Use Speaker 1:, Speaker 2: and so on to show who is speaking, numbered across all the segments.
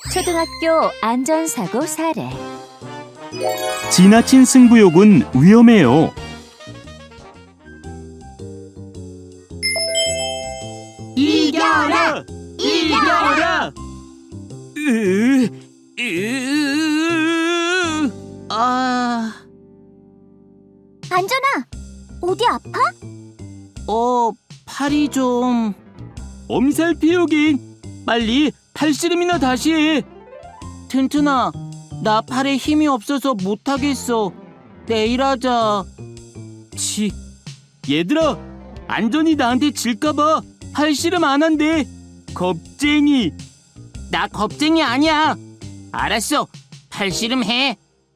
Speaker 1: 초등학교 안전사고 사례.
Speaker 2: 지나친 승부욕은 위험해요.
Speaker 3: 이겨라! 이겨라! 아,
Speaker 1: 안전아, 어디 아파?
Speaker 3: 팔이 좀...
Speaker 2: 엄살 피우긴. 빨리 팔씨름이나 다시 해.
Speaker 3: 튼튼아, 나 팔에 힘이 없어서 못하겠어. 내일 하자.
Speaker 2: 치, 얘들아, 안전이 나한테 질까봐 팔씨름 안 한대. 겁쟁이.
Speaker 3: 나 겁쟁이 아니야. 알았어, 팔씨름 해.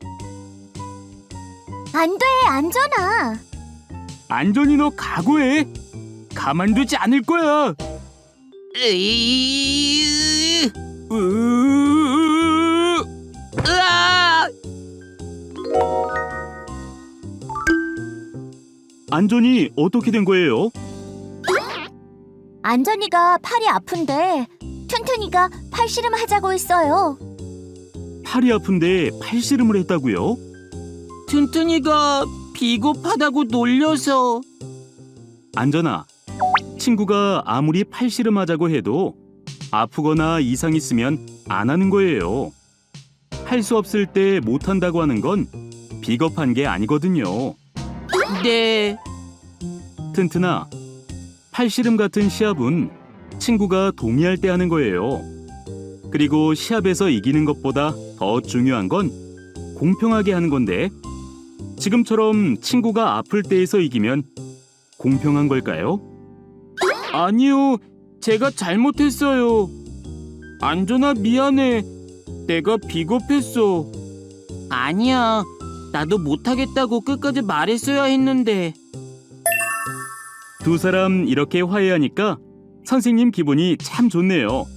Speaker 1: 안 돼, 안전아.
Speaker 2: 안전이 너 각오해. 가만두지 않을 거야.
Speaker 3: 으이...
Speaker 2: 으...
Speaker 3: 으아!
Speaker 2: 안전이 어떻게 된 거예요?
Speaker 1: 안전이가 팔이 아픈데 튼튼이가 팔씨름 하자고 했어요.
Speaker 2: 팔이 아픈데 팔씨름을 했다고요?
Speaker 3: 튼튼이가 비겁하다고 놀려서.
Speaker 2: 안전아, 친구가 아무리 팔씨름하자고 해도 아프거나 이상 있으면 안 하는 거예요. 할 수 없을 때 못한다고 하는 건 비겁한 게 아니거든요.
Speaker 3: 네.
Speaker 2: 튼튼아, 팔씨름 같은 시합은 친구가 동의할 때 하는 거예요. 그리고 시합에서 이기는 것보다 더 중요한 건 공평하게 하는 건데, 지금처럼 친구가 아플 때에서 이기면 공평한 걸까요? 아니요, 제가 잘못했어요. 안전아, 미안해. 내가 비겁했어.
Speaker 3: 아니야, 나도 못하겠다고 끝까지 말했어야 했는데.
Speaker 2: 두 사람 이렇게 화해하니까 선생님 기분이 참 좋네요.